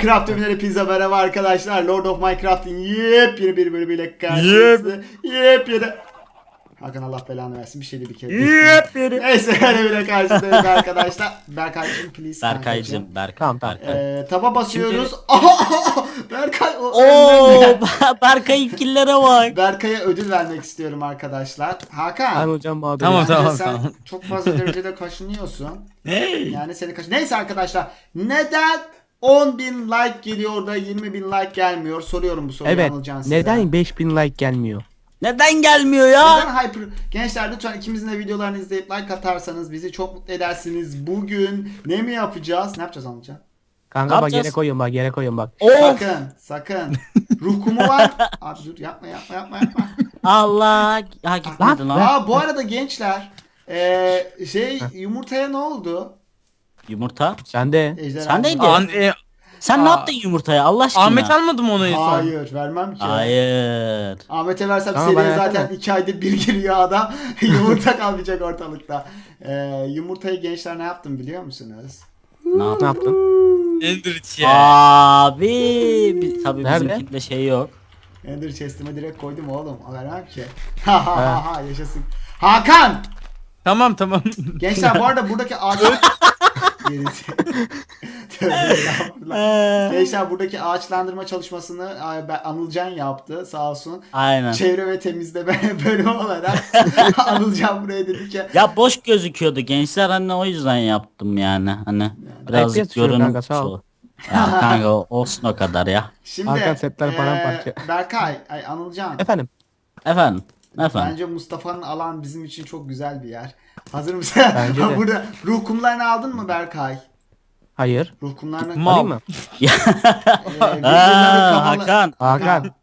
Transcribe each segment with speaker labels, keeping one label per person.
Speaker 1: Minecraft ürünleri pizza merhaba arkadaşlar. Lord of Minecraft'in yepyeni bir bölümüyle karşınızda. Yepyeni. Hakan Allah belanı versin bir şeydi bir kere.
Speaker 2: Yepyeni.
Speaker 1: Neyse öyle bile karşınızdayız arkadaşlar. Berkay'cım please.
Speaker 2: Berkay'cım, Berkay.
Speaker 3: Tamam.
Speaker 1: Taba basıyoruz. Berkay
Speaker 2: Oo, Berkay'ın killere bak.
Speaker 1: Berkay'a ödül vermek istiyorum arkadaşlar. Hakan.
Speaker 3: hocam abi.
Speaker 2: Tamam,
Speaker 1: Bence
Speaker 2: tamam,
Speaker 1: sen
Speaker 2: tamam.
Speaker 1: çok fazla derecede kaşınıyorsun.
Speaker 2: Hey.
Speaker 1: Yani seni Neyse arkadaşlar. Neden 10.000 like geliyor da 20.000 like gelmiyor? Soruyorum bu soruyu
Speaker 3: Evet.
Speaker 1: Anılcan size.
Speaker 3: Neden 5000 like gelmiyor?
Speaker 2: Neden gelmiyor ya?
Speaker 1: Neden hyper? Gençler lütfen ikimizin de videolarını izleyip like atarsanız bizi çok mutlu edersiniz. Bugün ne mi yapacağız? Ne yapacağız Anılcan?
Speaker 3: Kanka
Speaker 2: Ne
Speaker 3: bak
Speaker 2: yapacağız?
Speaker 3: yere koyun bak.
Speaker 2: Of.
Speaker 1: Sakın. Ruh kumu var. Abi dur yapma.
Speaker 2: Allah. Ha gitmedi lan.
Speaker 1: Bu arada gençler yumurtaya ne oldu?
Speaker 2: Yumurta.
Speaker 3: Sen de.
Speaker 1: Ejderha
Speaker 2: Sen neydi?
Speaker 1: yumurtası.
Speaker 2: Sen ne yaptın yumurtaya Allah aşkına?
Speaker 4: Ahmet almadı mı onu en son?
Speaker 1: Hayır vermem ki.
Speaker 2: Hayır.
Speaker 1: Ahmet'e versem
Speaker 3: Tamam,
Speaker 1: seriye
Speaker 3: bana
Speaker 1: zaten
Speaker 3: versene.
Speaker 1: 2 ayda bir giriyor adam. Yumurta kalmayacak ortalıkta. Yumurtayı gençler ne yaptım biliyor musunuz?
Speaker 2: Ne
Speaker 3: Ne
Speaker 2: yaptın?
Speaker 3: yaptın?
Speaker 4: Enderich ya.
Speaker 2: Abi. Tabii
Speaker 3: Nerede?
Speaker 2: bizimkinde şey yok.
Speaker 1: Ender chest'ime direkt koydum oğlum. Vermem ki. Ha yaşasın. Hakan!
Speaker 4: Tamam tamam.
Speaker 1: Gençler bu arada buradaki ağaç... Gerisi. Tövbe estağfurullah. Gençler buradaki ağaçlandırma çalışmasını Anılcan yaptı sağ olsun.
Speaker 2: Aynen.
Speaker 1: Çevre ve temizleme bölümü olarak Anılcan buraya dedi ki
Speaker 2: Ya boş gözüküyordu gençler hani o yüzden yaptım yani hani biraz
Speaker 3: FPS düşüyor
Speaker 2: görünüm
Speaker 3: kanka, sağ ol.
Speaker 2: Ya kanka olsun o kadar ya.
Speaker 1: şimdi
Speaker 3: Hakan setler paramparça.
Speaker 1: Berkay, Anılcan.
Speaker 3: Efendim.
Speaker 2: Efendim.
Speaker 1: Bence Mustafa'nın alan bizim için çok güzel bir yer. Hazır mısın?
Speaker 3: Bence de.
Speaker 1: Burada ruh kumlarını aldın mı Berkay?
Speaker 3: Hayır.
Speaker 1: Ruh kumlarını
Speaker 4: Mal.
Speaker 3: Alayım mı?
Speaker 1: birbirlerine kafalı-
Speaker 2: Hakan.
Speaker 3: Hakan.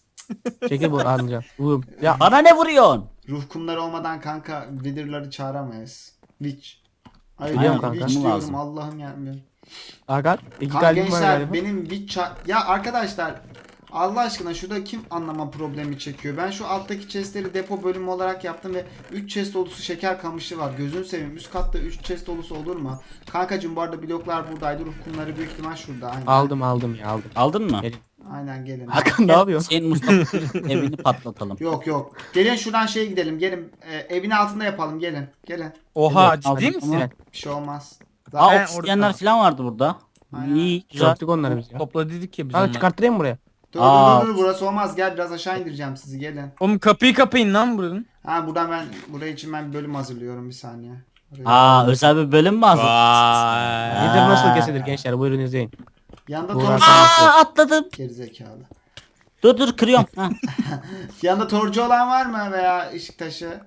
Speaker 3: Çekil bu alacağım. Bu ya
Speaker 2: Bana ne vuruyorsun?
Speaker 1: Ruh kumları olmadan kanka Wither'ları çağıramayız. Witch. Ay
Speaker 3: Biliyorum
Speaker 1: Witch
Speaker 3: kanka.
Speaker 1: diyorum
Speaker 2: Lazım.
Speaker 1: Allah'ım ya.
Speaker 3: Hakan iki
Speaker 1: Kanka
Speaker 3: kalbim var
Speaker 1: gençler
Speaker 3: galiba.
Speaker 1: benim ya arkadaşlar Allah aşkına şurada kim anlama problemi çekiyor? Ben şu alttaki chestleri depo bölümü olarak yaptım ve 3 chest dolusu şeker kamışı var. Gözünü seveyim. Üst katta 3 chest dolusu olur mu? Kankacığım bu arada bloklar buradaydı. Ruh kumları büyük ihtimal şurada. Aynen.
Speaker 3: Aldım ya aldım.
Speaker 2: Aldın mı?
Speaker 3: Gelin.
Speaker 1: Aynen gelin.
Speaker 3: Hakan ne yapıyorsun?
Speaker 2: Senin Mustafa'nın evini patlatalım.
Speaker 1: Yok. Gelin şuradan şeye gidelim. Gelin. Evin altında yapalım. Gelin.
Speaker 4: Oha
Speaker 2: Evet, aldım.
Speaker 4: ciddi misin?
Speaker 2: Tamam.
Speaker 1: Bir şey olmaz.
Speaker 2: Aa
Speaker 4: Ben
Speaker 2: oksijenler
Speaker 4: orada-
Speaker 2: falan vardı burada.
Speaker 1: Aynen.
Speaker 2: İyi güzel.
Speaker 3: Yaptık onları biz ya.
Speaker 4: Topla dedik ya biz
Speaker 3: Kanka
Speaker 4: onları.
Speaker 3: çıkarttırayım mı buraya?
Speaker 1: Dur, burası olmaz. Gel biraz aşağı indireceğim sizi. Gelin.
Speaker 4: Oğlum kapıyı kapayın lan buranın.
Speaker 1: Buraya için ben bir bölüm hazırlıyorum bir saniye.
Speaker 2: Özel bir bölüm mü hazır?
Speaker 3: Nedir nasıl kesilir gençler buyurun izleyin.
Speaker 1: Yanında
Speaker 3: Burak
Speaker 1: torcu
Speaker 2: Atladım.
Speaker 1: gerizekalı.
Speaker 2: Dur kırıyorum. Ha.
Speaker 1: Yanında torcu olan var mı veya ışık taşı?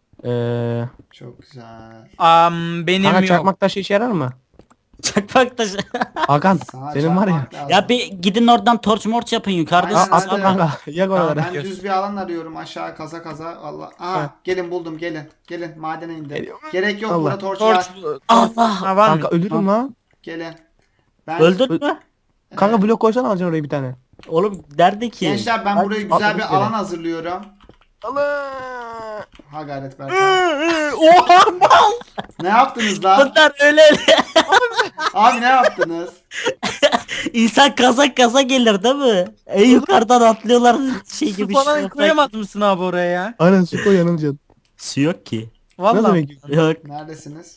Speaker 1: Çok güzel.
Speaker 4: Benim
Speaker 3: Kanka
Speaker 4: yok.
Speaker 3: çakmak taşı işe yarar mı?
Speaker 2: Çakmak taşı.
Speaker 3: Hakan
Speaker 1: Sana
Speaker 3: senin var ya.
Speaker 1: çarpmak lazım.
Speaker 2: Ya bir gidin oradan torç morç yapın yukarıda.
Speaker 1: Aynen,
Speaker 2: siz-
Speaker 3: Atla kanka yak oraları.
Speaker 1: Ben düz bir alan arıyorum aşağı kaza Allah. Aha
Speaker 3: Ha.
Speaker 1: gelin buldum gelin madene indim.
Speaker 3: Geliyor.
Speaker 1: Gerek yok
Speaker 3: Allah.
Speaker 1: burada torç
Speaker 4: Torç.
Speaker 1: var.
Speaker 2: Allah.
Speaker 4: Ha, var mı?
Speaker 3: Kanka ölürüm lan.
Speaker 1: Gelin. Ben
Speaker 2: Öldün mü?
Speaker 3: Kanka blok koysana alacaksın oraya bir tane.
Speaker 2: Oğlum derdi ki.
Speaker 1: gençler ben buraya güzel
Speaker 3: atladık
Speaker 1: bir
Speaker 3: yere.
Speaker 1: alan hazırlıyorum.
Speaker 3: Allah.
Speaker 1: Ha gayret Berkan.
Speaker 2: Oha mal.
Speaker 1: Ne yaptınız lan?
Speaker 2: Bunlar öyle.
Speaker 1: Abi ne yaptınız?
Speaker 2: İnsan kaza gelir değil mi? En yukarıdan atlıyorlar şey
Speaker 4: Su
Speaker 2: gibi.
Speaker 4: falan
Speaker 2: şey
Speaker 4: koyamaz mısın abi oraya ya?
Speaker 3: Aynen su koy yanılacaksın.
Speaker 2: Su yok ki.
Speaker 3: Ne
Speaker 4: Vallahi.
Speaker 3: demek?
Speaker 2: Yok.
Speaker 1: Neredesiniz?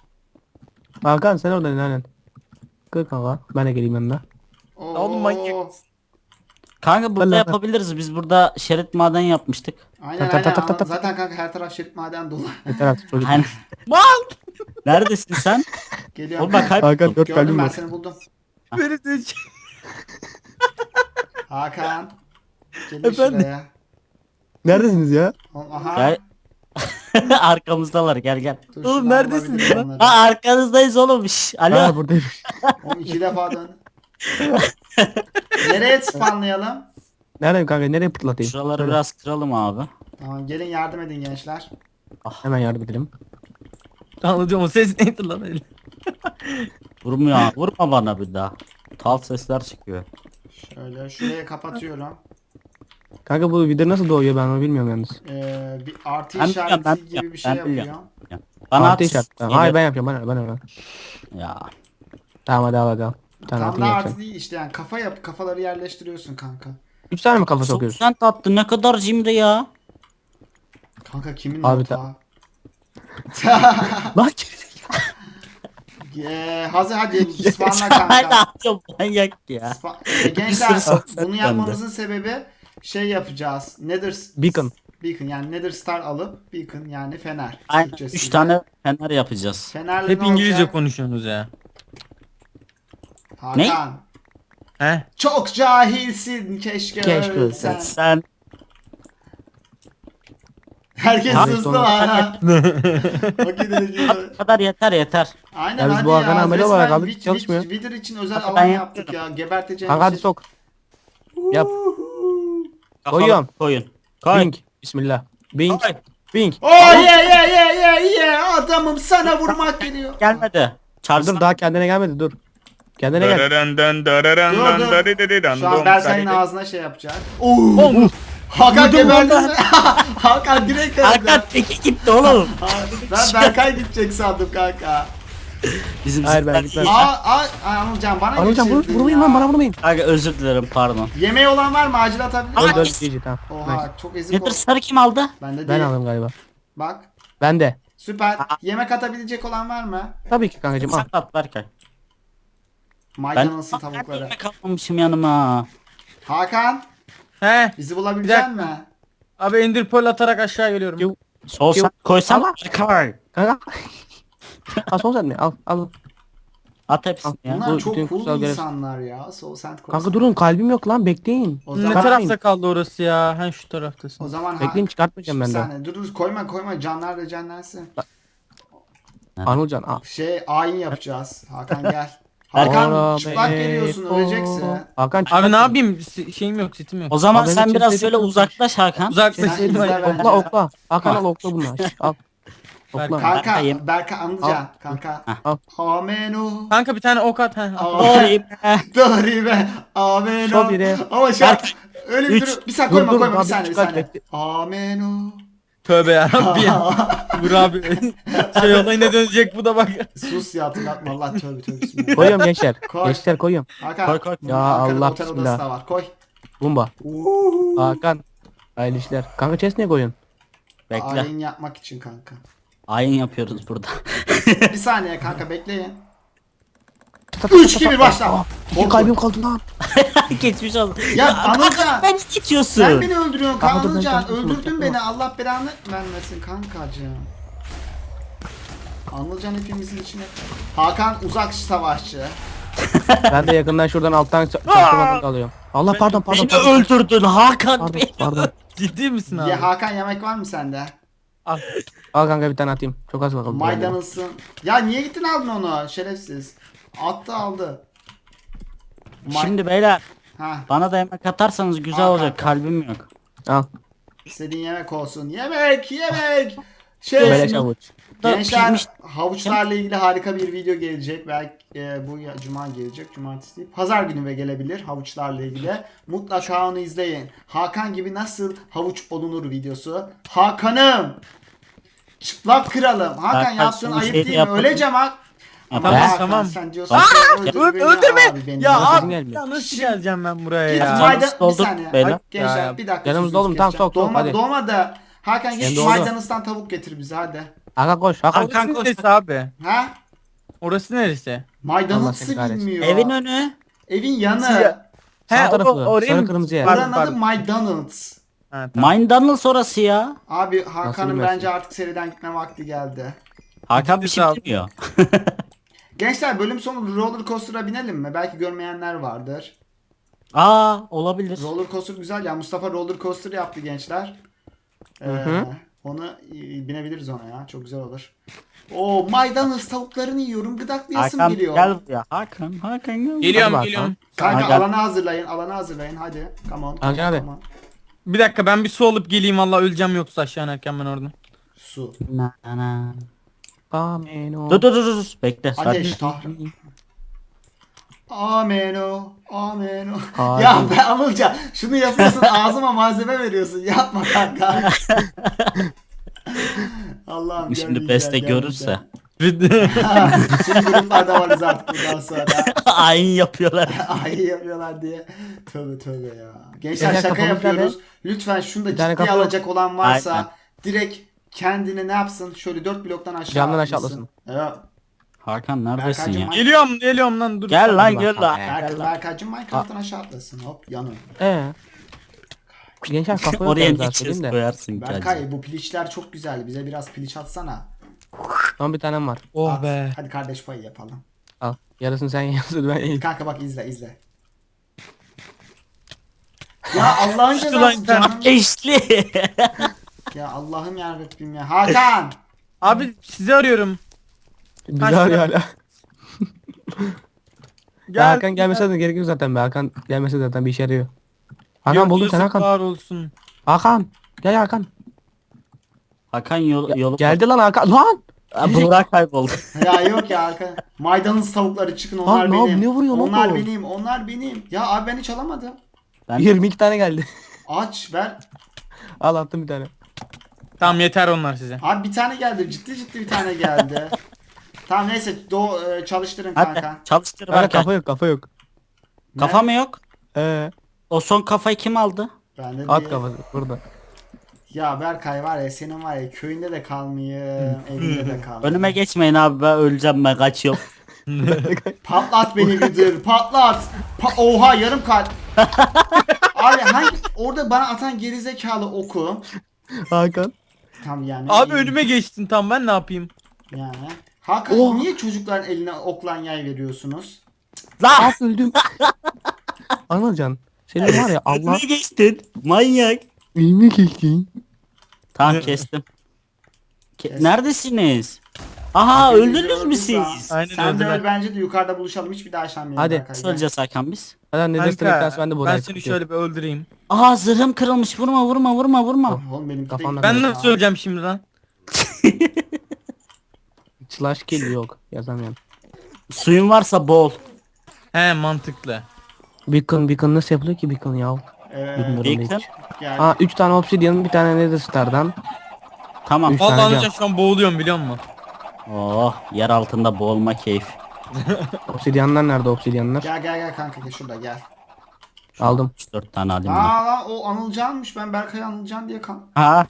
Speaker 3: Hakan sen oradan aynen. Kır kanka ben de geleyim yanına.
Speaker 1: Oo.
Speaker 4: Oğlum manyak.
Speaker 2: Kanka burada
Speaker 3: Vallahi-
Speaker 2: yapabiliriz. Biz burada şerit maden yapmıştık.
Speaker 1: Aynen
Speaker 3: Ta ta ta ta
Speaker 1: aynen.
Speaker 3: ta ta.
Speaker 1: Zaten kanka her taraf şerit maden dolu.
Speaker 3: Yeter artık çocuk.
Speaker 2: Hani... Neredesin sen?
Speaker 1: Geliyorum.
Speaker 2: Oğlum bak
Speaker 3: Hakan
Speaker 2: kayboldum.
Speaker 3: 4
Speaker 1: Gördüm
Speaker 3: kalbim
Speaker 1: ben
Speaker 3: var.
Speaker 1: seni buldum.
Speaker 4: Böyle de-
Speaker 1: Hakan. Gelin
Speaker 3: Efendim?
Speaker 1: şuraya.
Speaker 3: Neredesiniz ya?
Speaker 1: Oğlum, aha.
Speaker 2: Gel. Arkamızdalar gel.
Speaker 1: Dur,
Speaker 4: Oğlum,
Speaker 1: şuradan
Speaker 4: neredesiniz
Speaker 1: bulabilirim
Speaker 4: lan?
Speaker 1: onları.
Speaker 2: Ha arkanızdayız oğlum. Şş, alo.
Speaker 3: Ha buradayım.
Speaker 1: Oğlum 2 defa dön. Nereye spawnlayalım?
Speaker 3: Neredeyim kanka nereye pırtlatayım?
Speaker 2: Şuraları
Speaker 3: Söyle.
Speaker 2: biraz kıralım abi.
Speaker 1: Tamam gelin yardım edin gençler.
Speaker 3: Hemen yardım edelim.
Speaker 4: Anlatıyorum o ses neydi lan öyle?
Speaker 2: Vurmuyor. Vurma bana bir daha. Tal sesler çıkıyor.
Speaker 1: Şöyle şuraya kapatıyorum.
Speaker 3: Kanka bu video nasıl doğuyor ben onu bilmiyorum yalnız.
Speaker 1: Bir artı
Speaker 2: Ben
Speaker 1: işareti
Speaker 2: biliyorum, ben
Speaker 1: gibi bir
Speaker 2: biliyorum,
Speaker 1: şey
Speaker 2: ben biliyorum.
Speaker 1: yapıyor.
Speaker 2: Bana
Speaker 3: Artı
Speaker 2: at.
Speaker 3: işaret. Tamam. Hayır ben yapıyorum ben.
Speaker 2: Ya.
Speaker 3: Tamam hadi al hadi al. Bir tane
Speaker 1: Tam
Speaker 3: altın
Speaker 1: da
Speaker 3: yapacağım.
Speaker 1: artı değil işte yani kafa yap, kafaları yerleştiriyorsun kanka.
Speaker 3: 3 tane mi kafa sokuyoruz?
Speaker 2: Sen attı ne kadar cimri ya.
Speaker 1: Kanka kimin
Speaker 3: Abi
Speaker 1: notağı?
Speaker 3: Lan
Speaker 1: Hazır hadi ısmarla
Speaker 2: Hala
Speaker 1: kanka.
Speaker 2: atıyorum manyak ya.
Speaker 1: Gençler
Speaker 2: Bir sürü
Speaker 1: bunu
Speaker 2: sohbet
Speaker 1: yapmamızın sebebi şey yapacağız.
Speaker 3: Beacon.
Speaker 1: Beacon yani Nether Star alıp Beacon yani fener.
Speaker 2: Aynen
Speaker 1: Türkçesiyle.
Speaker 2: 3 tane fener yapacağız.
Speaker 1: Fenerle
Speaker 4: Hep
Speaker 1: ne
Speaker 4: İngilizce
Speaker 1: olacak?
Speaker 4: konuşuyorsunuz ya.
Speaker 1: Hakan.
Speaker 4: He?
Speaker 1: Çok cahilsin keşke
Speaker 3: Keşke
Speaker 1: ölsen.
Speaker 2: Sen
Speaker 1: Herkes
Speaker 3: Abi
Speaker 1: hızlı
Speaker 3: sonra-
Speaker 1: ha. Okey dedi gibi.
Speaker 2: bu kadar yeter.
Speaker 1: Aynen
Speaker 3: Ya biz
Speaker 1: hadi
Speaker 3: bu Hakan ameli olarak
Speaker 1: resmen
Speaker 3: aldık, çalışmıyor.
Speaker 1: Wither için özel
Speaker 2: Hakan
Speaker 1: alan
Speaker 2: ben
Speaker 1: yaptık ya. Geberteceğim
Speaker 3: Kanka hadi sok. Yap. Koyuyorum.
Speaker 2: Koyun. Koy.
Speaker 3: Bing. Bismillah. Bing.
Speaker 2: Koy.
Speaker 3: Bing.
Speaker 1: Oh yeah adamım sana vurmak geliyor.
Speaker 2: Gelmedi. Çardım
Speaker 3: Dur daha kendine gelmedi dur. Kendine gel.
Speaker 1: Şu an Berkay'ın ağzına şey yapacak. Hakan
Speaker 2: Vurdum
Speaker 1: geberdi.
Speaker 2: valla.
Speaker 1: Hakan direkt öldü.
Speaker 2: Hakan teki gitti oğlum.
Speaker 1: Ben Berkay gidecek sandım kanka.
Speaker 2: Bizim
Speaker 3: Hayır, ben
Speaker 2: zıplar
Speaker 3: gitmem.
Speaker 2: iyi.
Speaker 1: Anılcan bana
Speaker 3: Anılcan
Speaker 1: geçirdin
Speaker 3: vurmayın
Speaker 1: ya.
Speaker 3: lan bana vurmayın.
Speaker 2: Kanka özür dilerim pardon.
Speaker 1: Yemeği olan var mı? Acil atabilir
Speaker 2: Aa,
Speaker 3: Öldü
Speaker 1: misin?
Speaker 3: öldü GG tamam. Nice.
Speaker 1: Oha çok ezik
Speaker 2: Nether
Speaker 1: oldu.
Speaker 2: Star'ı kim aldı?
Speaker 1: Bende
Speaker 3: Ben
Speaker 1: değil.
Speaker 3: aldım galiba.
Speaker 1: Bak.
Speaker 3: Ben de.
Speaker 1: Süper. Yemek atabilecek olan var mı?
Speaker 3: Tabii ki kankacığım al.
Speaker 2: Sen at Berkay. Ben
Speaker 1: Maydanozlu tavukları.
Speaker 2: yemek almamışım yanıma.
Speaker 1: Hakan
Speaker 4: He?
Speaker 1: bizi bulabilecek
Speaker 4: Bir
Speaker 1: mi?
Speaker 4: Abi Ender Pearl atarak aşağı geliyorum.
Speaker 3: Yok.
Speaker 2: Sol sen koysan Berkay.
Speaker 3: Kanka. Al son sen mi? Al al.
Speaker 2: At hepsini ya.
Speaker 1: Bunlar
Speaker 3: bu
Speaker 1: çok
Speaker 3: bütün
Speaker 1: cool
Speaker 3: kutsal görev-
Speaker 1: insanlar ya. Soul Sand Coast.
Speaker 3: Kanka durun kalbim yok lan bekleyin.
Speaker 1: O
Speaker 4: Ne
Speaker 1: zaman,
Speaker 4: tarafta kaldı orası ya? Ha şu taraftasın.
Speaker 1: o zaman
Speaker 3: Bekleyin çıkartmayacağım
Speaker 1: Bir
Speaker 3: ben de.
Speaker 1: saniye dur koyma canlar da canlansın.
Speaker 3: Anılcan al.
Speaker 1: Ayin yapacağız. Hakan gel.
Speaker 2: Hakan,
Speaker 1: Hakan çıplak geliyorsun öleceksin.
Speaker 3: Hakan çıplak.
Speaker 4: Abi ne yapayım? Şeyim yok, setim yok.
Speaker 2: O zaman
Speaker 3: Abi
Speaker 2: sen
Speaker 3: benim
Speaker 2: biraz
Speaker 3: kimse
Speaker 2: şöyle
Speaker 3: yok.
Speaker 2: uzaklaş Hakan.
Speaker 4: Uzaklaş.
Speaker 1: Sen izle bence.
Speaker 3: Okla okla. Hakan al okla bunu. Al. Okla.
Speaker 1: Kanka
Speaker 2: Berkay'ım.
Speaker 1: Berkay Anılcan kanka.
Speaker 3: Al.
Speaker 1: Ameno.
Speaker 4: Kanka bir tane ok at. Ha.
Speaker 2: Doğruyum.
Speaker 1: Doğru be. Ameno.
Speaker 3: Şu biri.
Speaker 1: Ama şu an
Speaker 2: Berkay,
Speaker 1: öyle bir
Speaker 2: üç.
Speaker 1: dur. Bir saniye koyma
Speaker 3: Dur,
Speaker 1: koyma bir
Speaker 3: abi,
Speaker 1: saniye bir
Speaker 3: çıkar,
Speaker 1: saniye.
Speaker 3: bekle.
Speaker 1: Ameno.
Speaker 4: Tövbe yarabbim. Vur abi. Şey olayına dönecek bu da bak.
Speaker 1: Sus ya hatırlatma Allah tövbe bismillah.
Speaker 3: Koyuyorum gençler.
Speaker 1: Koy.
Speaker 3: Gençler koyuyorum.
Speaker 1: Hakan.
Speaker 2: Koy, koy.
Speaker 1: bunun
Speaker 3: Ya
Speaker 1: Ankara'da
Speaker 3: Allah
Speaker 1: otel
Speaker 3: bismillah.
Speaker 1: odası da var. Koy.
Speaker 3: Bumba. Hakan. Hayırlı işler. Kanka chest niye koyuyorsun?
Speaker 2: Bekle.
Speaker 1: Ayin yapmak için kanka.
Speaker 2: Ayin yapıyoruz burada.
Speaker 1: Bir saniye kanka bekleyin. 3 gibi başla.
Speaker 3: İki kalbim kaldı lan.
Speaker 2: Geçmiş olsun.
Speaker 1: Ya Anılcan.
Speaker 2: Ben geçiyorsun.
Speaker 1: Sen beni öldürüyorsun
Speaker 3: Kanka dur, ben
Speaker 1: Anılcan.
Speaker 3: kaçmışım,
Speaker 1: Öldürdün
Speaker 3: kaçma.
Speaker 1: beni. Allah belanı vermesin kankacığım. Anılcan hepimizin içine. Hakan uzak savaşçı.
Speaker 3: Ben de yakından şuradan alttan çaktırmadan kalıyorum. Allah pardon.
Speaker 2: Beni öldürdün Hakan.
Speaker 3: Pardon
Speaker 2: Beni.
Speaker 3: pardon.
Speaker 4: Ciddi misin abi?
Speaker 1: Ya Hakan yemek var mı sende?
Speaker 3: Al kanka bir tane atayım. Çok az bakalım.
Speaker 1: Maydanozsun. Ya niye gittin aldın onu şerefsiz. Attı aldı.
Speaker 2: Şimdi beyler
Speaker 1: Ha,
Speaker 2: bana da yemek atarsanız güzel
Speaker 1: Al
Speaker 2: olacak.
Speaker 1: kanka.
Speaker 2: Kalbim yok.
Speaker 3: Al.
Speaker 1: istediğin yemek olsun. Yemek.
Speaker 3: Beleş avuç.
Speaker 1: Gençler
Speaker 2: Pişmiş.
Speaker 1: havuçlarla ilgili harika bir video gelecek. Belki bu cuma gelecek. Cumartesi değil. Pazar günü ve gelebilir havuçlarla ilgili. Mutlaka onu izleyin. Hakan gibi nasıl havuç olunur videosu. Hakan'ım. Çıplak kralım. Hakan
Speaker 2: Hakan,
Speaker 1: yaptığın
Speaker 2: son
Speaker 1: ayıp
Speaker 2: şeyi
Speaker 1: değil mi?
Speaker 2: yapalım.
Speaker 1: Öleceğim ha.
Speaker 2: Tamam,
Speaker 1: Hakan,
Speaker 4: tamam.
Speaker 1: Sen diyorsun ki
Speaker 4: Öldürme.
Speaker 1: abi beni.
Speaker 4: Ya
Speaker 3: Sesim
Speaker 4: abi
Speaker 3: gelmiyor.
Speaker 4: ya nasıl geleceğim ben buraya
Speaker 1: Git
Speaker 4: ya?
Speaker 2: Canım
Speaker 1: maydan bir
Speaker 2: dolduk
Speaker 1: saniye.
Speaker 2: beyler.
Speaker 1: Ay, gençler
Speaker 4: Ya,
Speaker 1: bir dakika.
Speaker 3: yanımızda
Speaker 1: sözünüzü
Speaker 3: oğlum, tamam,
Speaker 1: keseceğim.
Speaker 3: sok, sok, hadi.
Speaker 1: Doğma da Hakan git
Speaker 3: Kendi
Speaker 1: şu
Speaker 3: oldu.
Speaker 1: maydanozdan tavuk getir bize hadi.
Speaker 3: Hakan koş. Hakan.
Speaker 2: Hakan
Speaker 4: Orası
Speaker 2: koş.
Speaker 4: neresi abi?
Speaker 1: Ha?
Speaker 4: Orası neresi?
Speaker 3: Allah
Speaker 1: Maydanozu
Speaker 3: seni kahretsin.
Speaker 1: bilmiyor.
Speaker 2: Evin önü.
Speaker 1: Evin yanı.
Speaker 4: Siyah.
Speaker 3: Sağ
Speaker 4: He,
Speaker 3: tarafı.
Speaker 4: oraya
Speaker 3: Sarı
Speaker 4: mı?
Speaker 3: kırmızı yer.
Speaker 4: Pardon,
Speaker 1: Oranın adı
Speaker 4: pardon.
Speaker 1: McDonald's.
Speaker 4: Ha, tamam.
Speaker 2: Mind'dan sonrası ya.
Speaker 1: Abi Hakan'ın
Speaker 3: bilmezsin?
Speaker 1: bence artık seriden gitme vakti geldi.
Speaker 2: Hakan bir şey
Speaker 4: Sağ ol.
Speaker 2: bilmiyor.
Speaker 1: Gençler bölüm sonu roller coaster'a binelim mi? Belki görmeyenler vardır.
Speaker 2: Aa olabilir.
Speaker 1: Roller coaster güzel ya. Mustafa roller coaster yaptı gençler.
Speaker 3: hı.
Speaker 1: Onu binebiliriz ona ya. Çok güzel olur. Oo maydanoz tavuklarını yiyorum. Gıdaklayasım
Speaker 2: Hakan
Speaker 1: geliyor.
Speaker 2: gel buraya. Hakan gel.
Speaker 4: Geliyorum
Speaker 3: Hadi
Speaker 4: geliyorum.
Speaker 1: Kanka
Speaker 2: Gel.
Speaker 1: alanı hazırlayın. Alanı hazırlayın. Hadi. Come on.
Speaker 3: Hakan abi.
Speaker 1: come on.
Speaker 4: Bir dakika ben bir su alıp geleyim valla öleceğim yoksa aşağı inerken ben orada.
Speaker 1: Su.
Speaker 2: Na, na, na.
Speaker 3: Amen.
Speaker 2: Dur. Bekle.
Speaker 1: Ateş
Speaker 2: Sakin.
Speaker 1: tahrim. Ameno. Ameno.
Speaker 3: Hadi.
Speaker 1: Ya be Anılcan şunu yapıyorsun ağzıma malzeme veriyorsun. Yapma kanka. Allah'ım.
Speaker 2: Şimdi
Speaker 1: görmeyeceğim,
Speaker 2: beste görürse.
Speaker 1: görmeyeceğim. Şimdi gruplarda varız artık bundan sonra.
Speaker 2: Ayin yapıyorlar.
Speaker 1: Ay yapıyorlar diye. Tövbe tövbe ya. Gençler
Speaker 3: Gençler
Speaker 1: şaka
Speaker 3: kafamız
Speaker 1: yapıyoruz. Lütfen şunu da
Speaker 3: Bir tane
Speaker 1: ciddiye
Speaker 3: kafa yok.
Speaker 1: alacak olan varsa
Speaker 2: Aynen.
Speaker 1: direkt kendine ne yapsın? Şöyle 4 bloktan aşağı
Speaker 3: Camdan aşağı
Speaker 1: atlasın.
Speaker 3: atlasın.
Speaker 1: Evet.
Speaker 2: Hakan neredesin
Speaker 1: Berkaycığım,
Speaker 2: ya?
Speaker 4: Geliyorum lan dur.
Speaker 2: Gel lan
Speaker 3: Bak,
Speaker 2: gel lan.
Speaker 1: Berkaycığım Minecraft'tan aşağı atlasın. Hop yanıyor.
Speaker 3: Gençler kafa yok
Speaker 2: Oraya
Speaker 3: yalnız
Speaker 2: ne
Speaker 3: daha söyleyeyim
Speaker 2: chest
Speaker 3: de.
Speaker 2: koyarsın ki acaba?
Speaker 1: Berkay bu piliçler çok güzel. Bize biraz piliç atsana.
Speaker 3: Son bir tanem var.
Speaker 4: Oh
Speaker 1: At.
Speaker 4: be.
Speaker 1: Hadi kardeş payı yapalım.
Speaker 3: Al. Yarısını sen yarısını ben yiyeyim.
Speaker 1: Kanka bak izle. Ya Allah'ın
Speaker 4: İşte
Speaker 1: cezası
Speaker 4: lan,
Speaker 1: canım.
Speaker 2: Eşli.
Speaker 1: Ya Allah'ım yarabbim ya. Hakan.
Speaker 4: Abi sizi arıyorum.
Speaker 3: Bizi arıyor hala.
Speaker 4: Gel.
Speaker 3: Hakan gelmese de gerek yok zaten be. Hakan gelmese de zaten bir işe yarıyor. Hakan buldum sen Hakan.
Speaker 4: Var olsun.
Speaker 3: Hakan. Gel Hakan.
Speaker 2: Hakan yolu.
Speaker 3: Geldi lan Hakan. Lan.
Speaker 2: Burak kayboldu.
Speaker 1: Ya yok ya Hakan. Maydanoz tavukları çıkın onlar
Speaker 3: Lan ne
Speaker 1: benim.
Speaker 3: ne vuruyorsun
Speaker 1: Onlar
Speaker 3: oğlum?
Speaker 1: onlar benim. Ya abi ben hiç alamadım.
Speaker 2: Ben
Speaker 3: 22 tane geldi.
Speaker 1: Aç ver.
Speaker 3: Al attım bir tane.
Speaker 4: Tamam yeter onlar size.
Speaker 1: Abi bir tane geldi. Ciddi bir tane geldi. Tamam neyse çalıştırın
Speaker 2: hadi
Speaker 1: kanka.
Speaker 2: çalıştır
Speaker 3: Hala
Speaker 2: Berkay.
Speaker 3: kafa yok.
Speaker 2: Kafa mı yok?
Speaker 3: Ee,
Speaker 2: O son kafayı kim aldı?
Speaker 1: Ben de
Speaker 3: at
Speaker 1: diye-
Speaker 3: kafası burada.
Speaker 1: Ya Berkay var ya senin var ya köyünde de kalmayayım, evinde de kalmayayım.
Speaker 2: Önüme geçmeyin abi, ben öleceğim, ben kaçıyorum.
Speaker 1: Patlat beni Gıdır, patlat. Oha yarım kalp. Abi orada bana atan gerizekalı oku.
Speaker 3: Hakan.
Speaker 1: Tam yani.
Speaker 4: Abi önüme geçtin tam ben ne yapayım?
Speaker 1: Yani. Hakan
Speaker 3: Oh.
Speaker 1: niye çocukların eline oklan yay veriyorsunuz?
Speaker 2: Lan!
Speaker 3: At öldüm. Anılcan. Senin var ya Allah.
Speaker 2: Önüme geçtin. Manyak.
Speaker 3: İlmi kestin.
Speaker 2: Tamam kestim.
Speaker 1: Kes.
Speaker 2: Neredesiniz? Aha
Speaker 1: Hepinizi
Speaker 2: öldünüz mü
Speaker 1: öldük
Speaker 2: siz?
Speaker 1: lan.
Speaker 4: Aynen
Speaker 1: Sen de
Speaker 4: öldüler.
Speaker 1: öl bence de yukarıda buluşalım hiçbir daha aşağı
Speaker 3: Hadi.
Speaker 1: Berkay.
Speaker 2: Nasıl öleceğiz Hakan biz?
Speaker 3: Hadi ne destek
Speaker 4: Kanka,
Speaker 3: dersi ben de
Speaker 4: ben
Speaker 3: buraya
Speaker 4: seni şöyle bir öldüreyim.
Speaker 2: Aha zırhım kırılmış, vurma.
Speaker 1: Oğlum benim
Speaker 3: Kafanla
Speaker 4: Ben
Speaker 3: Evet
Speaker 4: nasıl öleceğim şimdi lan?
Speaker 3: Slash kill yok. Yazamıyorum.
Speaker 2: Suyun varsa bol.
Speaker 4: He mantıklı.
Speaker 3: Beacon nasıl yapılıyor ki beacon ya? Bilmiyorum
Speaker 2: Beacon?
Speaker 3: hiç.
Speaker 1: Yani,
Speaker 3: Aa 3 tane obsidian bir tane nether star'dan.
Speaker 2: Tamam.
Speaker 3: Üç tane
Speaker 4: Vallahi
Speaker 3: cam.
Speaker 4: anlayacağım şu an boğuluyorum biliyor musun?
Speaker 2: Oh, yer altında boğulma keyif.
Speaker 3: Obsidianlar nerede obsidianlar?
Speaker 1: gel kanka gel şurada gel.
Speaker 3: Aldım.
Speaker 2: 4 tane alayım ben.
Speaker 1: Aa lan o Anılcan'mış ben Berkay Anılcan diye
Speaker 2: Ha.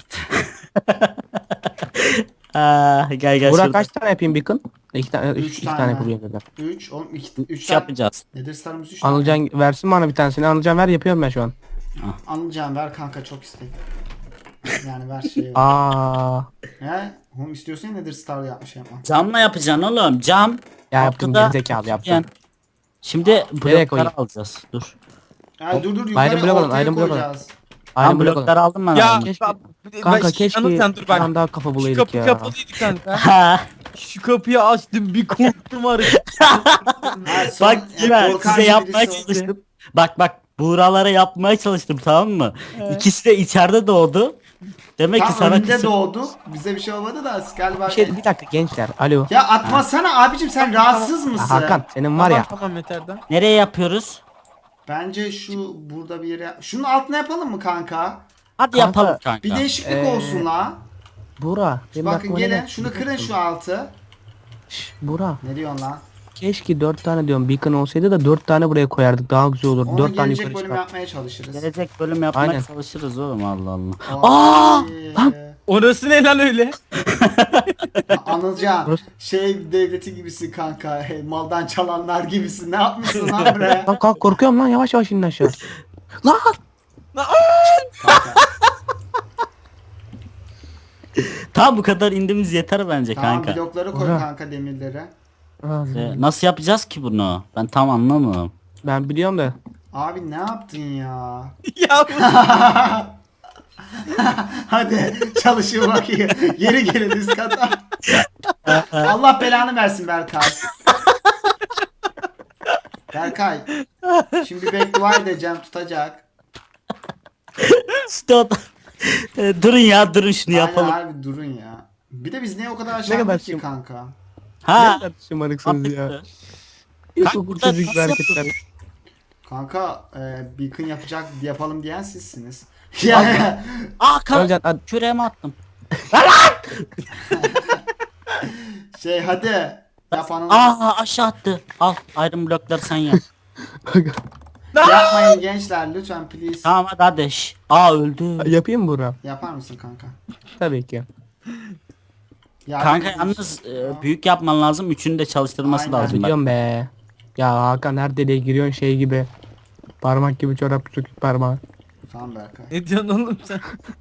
Speaker 2: Gel
Speaker 3: Burak
Speaker 2: şurada.
Speaker 3: kaç tane yapayım beacon? 2 tane,
Speaker 1: Üç
Speaker 3: 2
Speaker 1: tane.
Speaker 3: tane yapayım zaten.
Speaker 1: 3 oğlum 3
Speaker 2: 3
Speaker 1: tane.
Speaker 2: yapacağız.
Speaker 1: Nedir starımız 3 tane.
Speaker 3: Anılcan versin bana bir tanesini. Anılcan ver yapıyorum ben şu an.
Speaker 1: Anılcan ver kanka çok istek. Yani ver şey.
Speaker 3: Aa.
Speaker 1: He? Oğlum istiyorsan ya Nedir Star yapma.
Speaker 2: Camla yapacaksın oğlum. Cam.
Speaker 3: Ya yaptım
Speaker 2: Altıda-
Speaker 3: gerizekalı yaptım.
Speaker 2: Yani. Şimdi
Speaker 3: Nereye koyayım?
Speaker 2: blokları alacağız. Dur.
Speaker 1: Ya dur
Speaker 3: Iron
Speaker 1: yukarı
Speaker 3: block alın,
Speaker 1: ortaya
Speaker 3: Iron block alın.
Speaker 1: koyacağız.
Speaker 2: Tamam
Speaker 3: Aynen blok
Speaker 2: blokları aldım ben.
Speaker 4: Ya
Speaker 2: abi.
Speaker 3: keşke-
Speaker 4: bak,
Speaker 3: Kanka
Speaker 4: bak,
Speaker 3: keşke
Speaker 4: Anıl sen dur
Speaker 3: bir
Speaker 4: bak.
Speaker 3: tane daha kafa
Speaker 4: Şu
Speaker 3: bulaydık
Speaker 4: kapı
Speaker 3: ya.
Speaker 4: kapalıydı kanka.
Speaker 2: Ha.
Speaker 4: Şu kapıyı açtım bir korktum var.
Speaker 1: Ha, son-
Speaker 2: Bak yine
Speaker 1: korkan
Speaker 2: size
Speaker 1: birisi
Speaker 2: yapmaya
Speaker 1: oldu.
Speaker 2: çalıştım. Bak buğralara yapmaya çalıştım, tamam mı? İkisi de içeride doğdu. Demek ki
Speaker 1: Tam
Speaker 2: sana
Speaker 1: önünde
Speaker 2: kısım.
Speaker 1: doğdu. Bize bir şey olmadı da galiba.
Speaker 3: Bir dakika gençler. Alo.
Speaker 1: Ya atmasana abicim sen rahatsız mısın?
Speaker 3: Hakan senin var ya.
Speaker 4: Tamam yeter de.
Speaker 2: Nereye yapıyoruz?
Speaker 1: Bence şu burada bir yere. Şunun altına yapalım mı kanka?
Speaker 2: Hadi
Speaker 3: Kanka,
Speaker 2: yapalım kanka.
Speaker 1: Bir değişiklik
Speaker 3: Ee,
Speaker 1: olsun la.
Speaker 3: Bura. Benim
Speaker 1: Bakın
Speaker 3: aklıma ne
Speaker 1: gelin
Speaker 3: geldi?
Speaker 1: şunu kırın şu altı.
Speaker 3: Bura.
Speaker 1: Ne diyorsun lan?
Speaker 3: Keşke 4 tane diyorum beacon olsaydı da 4 tane buraya koyardık daha güzel olur.
Speaker 1: Onu
Speaker 3: 4 tane
Speaker 1: gelecek
Speaker 3: yukarı
Speaker 1: bölüm
Speaker 3: çıkar.
Speaker 1: yapmaya çalışırız.
Speaker 2: Gelecek bölüm yapmaya
Speaker 3: Aynen.
Speaker 2: çalışırız oğlum, Allah Allah.
Speaker 1: Ay.
Speaker 3: lan!
Speaker 4: Orası ne lan öyle?
Speaker 1: Anılcan
Speaker 3: Burası-
Speaker 1: şey devleti gibisin kanka. Maldan çalanlar gibisin. Ne yapmışsın lan buraya?
Speaker 3: Lan kalk korkuyorum lan yavaş yavaş inin aşağı. Lan!
Speaker 1: Kanka,
Speaker 2: Tamam, bu kadar indiğimiz yeter bence
Speaker 1: tamam
Speaker 2: kanka.
Speaker 1: blokları koy
Speaker 3: Ora.
Speaker 1: kanka demirlere.
Speaker 2: Nasıl yapacağız ki bunu? Ben tam anlamıyorum.
Speaker 3: Ben biliyorum da.
Speaker 1: Abi ne yaptın ya?
Speaker 4: Ya
Speaker 1: Hadi çalışın bakayım. Geri gelin üst kata. Allah belanı versin Berkay. Berkay. Şimdi beddua edeceğim tutacak.
Speaker 2: İşte o da- durun ya, durun şunu
Speaker 1: Aynen
Speaker 2: yapalım.
Speaker 1: abi durun ya. Bir de biz niye o kadar aşağı
Speaker 3: kadar
Speaker 1: indik ki
Speaker 3: şım-
Speaker 1: kanka?
Speaker 2: Ha.
Speaker 3: Ne kadar şımarıksınız ya.
Speaker 2: Kanka,
Speaker 3: İlkokul
Speaker 2: burada
Speaker 3: çocuk
Speaker 2: nasıl
Speaker 3: hareketler.
Speaker 2: yapıyoruz?
Speaker 1: Kanka beacon yapalım diyen sizsiniz. Yani
Speaker 3: Anılcan hadi.
Speaker 2: Küreğime attım.
Speaker 1: şey hadi Yapanın
Speaker 2: Aşağı attı. Al iron blokları sen yap.
Speaker 3: Kanka.
Speaker 1: yapmayın gençler lütfen please.
Speaker 2: Tamam hadi. Öldü.
Speaker 3: Yapayım mı Buğra?
Speaker 1: Yapar mısın kanka?
Speaker 3: Tabii ki.
Speaker 1: Yardım
Speaker 2: Kanka
Speaker 1: edin.
Speaker 2: yalnız büyük yapman lazım. Üçünü de çalıştırması
Speaker 1: Aynen.
Speaker 2: lazım. Bak.
Speaker 3: Biliyorum be. Ya Hakan her deliğe giriyorsun şey gibi. Parmak gibi çorap sökük parmağı.
Speaker 1: Tamam Berkay.
Speaker 4: Ne diyorsun oğlum sen?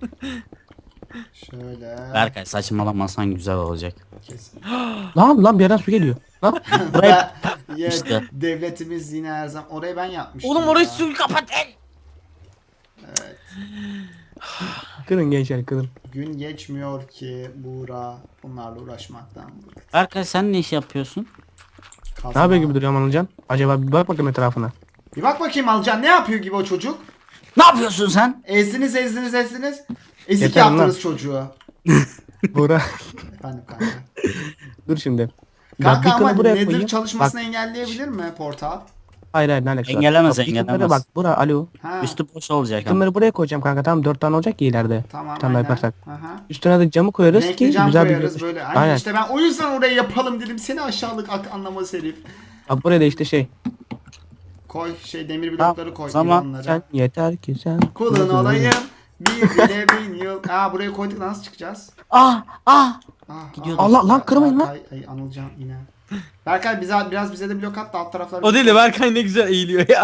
Speaker 1: Şöyle.
Speaker 2: Berkay saçmalamasan güzel olacak.
Speaker 1: Kesin.
Speaker 3: Lan bir yerden su geliyor. Lan.
Speaker 2: Buraya
Speaker 1: Ya,
Speaker 2: İşte.
Speaker 1: devletimiz yine her zaman. Orayı ben yapmıştım.
Speaker 4: Oğlum orayı
Speaker 1: ya.
Speaker 4: suyu kapatın.
Speaker 1: Evet.
Speaker 3: Kırın gençler kırın.
Speaker 1: Gün geçmiyor ki Buğra bunlarla uğraşmaktan.
Speaker 2: Berkay sen ne iş yapıyorsun?
Speaker 1: Kazma.
Speaker 3: Ne yapıyor gibi duruyor Anılcan? Acaba bir bak bakayım etrafına.
Speaker 1: Bir bak bakayım Alcan ne yapıyor gibi o çocuk?
Speaker 2: Ne yapıyorsun sen?
Speaker 1: Ezdiniz. Ezik
Speaker 3: Yeter lan.
Speaker 1: yaptınız çocuğu.
Speaker 3: Buğra.
Speaker 1: Efendim kanka.
Speaker 3: Dur şimdi.
Speaker 1: Kanka
Speaker 3: Bak,
Speaker 1: ama
Speaker 3: dükkanı buraya
Speaker 1: nedir
Speaker 3: koyayım.
Speaker 1: çalışmasını
Speaker 3: Bak,
Speaker 1: engelleyebilir mi portal?
Speaker 3: hayır ne alakası var?
Speaker 2: Engelemez,
Speaker 3: Bak, dükkanlara
Speaker 2: engelemez.
Speaker 3: Bak Buğra alo.
Speaker 1: Ha.
Speaker 2: Üstü boş olacak ama.
Speaker 3: Dükkanları buraya koyacağım kanka tamam 4 tane olacak ki ileride.
Speaker 1: Tamam
Speaker 3: Tam
Speaker 1: aynen.
Speaker 3: yaparsak.
Speaker 1: Aha.
Speaker 3: Üstüne de camı koyarız
Speaker 1: Renkli
Speaker 3: ki
Speaker 1: cam
Speaker 3: güzel bir
Speaker 1: koyarız
Speaker 3: görünüş.
Speaker 1: böyle. Aynen.
Speaker 3: Aynen.
Speaker 1: İşte ben o yüzden oraya yapalım dedim. Seni aşağılık anlamaz herif.
Speaker 3: Bak buraya da işte şey.
Speaker 1: Koy demir blokları koy.
Speaker 2: zaman
Speaker 1: ilanlara.
Speaker 3: Sen yeter ki sen.
Speaker 1: Kulun olayım. Bir bile bin yıl. Buraya koyduk nasıl çıkacağız? Gidiyorduk.
Speaker 3: Allah lan kırmayın lan.
Speaker 1: Ay Anılcan yine. Berkay biraz bize de blok at da alt taraflar.
Speaker 4: O değil de Berkay ne güzel eğiliyor ya.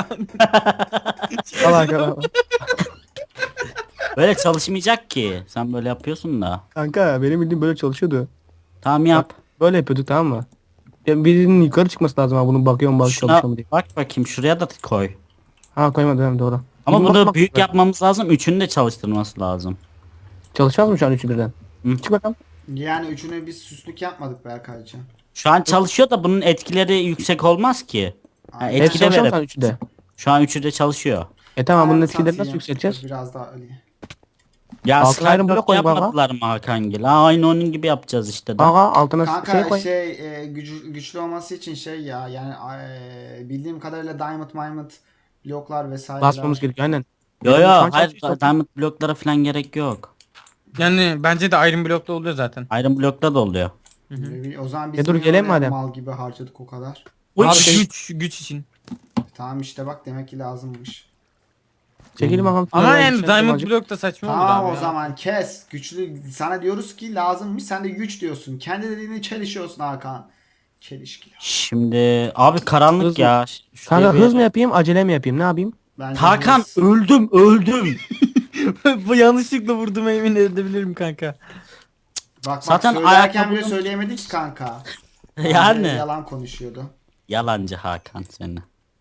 Speaker 3: Allah
Speaker 2: Böyle çalışmayacak ki. Sen böyle yapıyorsun da.
Speaker 3: kanka benim bildiğim böyle çalışıyordu.
Speaker 2: Tamam yap.
Speaker 3: Böyle yapıyorduk tamam mı? Ya birinin yukarı çıkması lazım ha bunun bakıyorum bak
Speaker 2: Şuna
Speaker 3: çalışıyor mu diye.
Speaker 2: bak bakayım şuraya da koy.
Speaker 3: Ha koymadım evet, doğru.
Speaker 2: Ama
Speaker 3: Bunu
Speaker 2: bunu
Speaker 3: bakmak
Speaker 2: büyük
Speaker 3: lazım.
Speaker 2: yapmamız lazım. Üçünü de çalıştırması lazım.
Speaker 3: Çalışmaz mı şu an üçü birden?
Speaker 2: Hı.
Speaker 3: Çık bakalım.
Speaker 1: Yani üçüne biz süslük yapmadık Berkaycığım.
Speaker 2: Şu an çalışıyor da bunun etkileri yüksek olmaz ki. Ha,
Speaker 1: Aynen.
Speaker 2: etki
Speaker 3: Hepsi
Speaker 2: de
Speaker 3: çalışıyor mu
Speaker 2: verip-
Speaker 3: şu an üçü de?
Speaker 2: Şu an üçü de çalışıyor.
Speaker 3: Tamam bunun
Speaker 1: Ben
Speaker 3: etkilerini nasıl
Speaker 1: satayım.
Speaker 3: yükselteceğiz?
Speaker 1: Biraz daha Ali.
Speaker 2: Ya
Speaker 3: Altına ayrı blok
Speaker 2: Skyblock
Speaker 3: koy baba.
Speaker 2: yapmadılar mı Hakangil? Aynı onun gibi yapacağız işte.
Speaker 3: Aha altına
Speaker 1: Kanka
Speaker 3: şey koy.
Speaker 1: güçlü olması için ya yani bildiğim kadarıyla Diamond bloklar vesaireler.
Speaker 3: Basmamız gerekiyor aynen.
Speaker 2: Yo
Speaker 3: Şu
Speaker 2: yo
Speaker 3: an
Speaker 2: hayır
Speaker 3: çalışıyor.
Speaker 2: diamond bloklara falan gerek yok.
Speaker 4: Yani bence de Iron Block'ta oluyor zaten.
Speaker 2: Iron blokta da oluyor.
Speaker 1: O zaman biz
Speaker 3: dur,
Speaker 1: niye
Speaker 3: gelelim
Speaker 1: oraya
Speaker 3: madem.
Speaker 1: mal gibi harcadık o kadar.
Speaker 4: Abi
Speaker 2: Uy,
Speaker 4: güç için.
Speaker 1: Tamam işte bak demek ki lazımmış.
Speaker 3: Çekelim bakalım.
Speaker 4: Ama
Speaker 3: Şöyle
Speaker 4: yani
Speaker 3: bir şey
Speaker 4: Diamond
Speaker 3: yapalım.
Speaker 4: Block da saçma oldu
Speaker 1: Tamam
Speaker 4: abi
Speaker 1: o
Speaker 4: ya.
Speaker 1: zaman kes. Güçlü sana diyoruz ki lazımmış sen de güç diyorsun. Kendi dediğini çelişiyorsun Hakan. Çelişki.
Speaker 2: Şimdi abi karanlık
Speaker 3: Hız-
Speaker 2: ya. Şuraya
Speaker 3: Kanka
Speaker 2: bir-
Speaker 3: hız mı yapayım acele mi yapayım ne yapayım?
Speaker 1: Bence
Speaker 2: Hakan
Speaker 1: hız.
Speaker 2: öldüm.
Speaker 4: Bu yanlışlıkla vurdum emin edebilirim kanka.
Speaker 1: Bak
Speaker 2: Zaten
Speaker 1: söylerken bile
Speaker 2: ayakkabının-
Speaker 1: söyleyemedik ki kanka.
Speaker 2: Yani.
Speaker 1: Yalan konuşuyordu.
Speaker 2: Yalancı Hakan seni.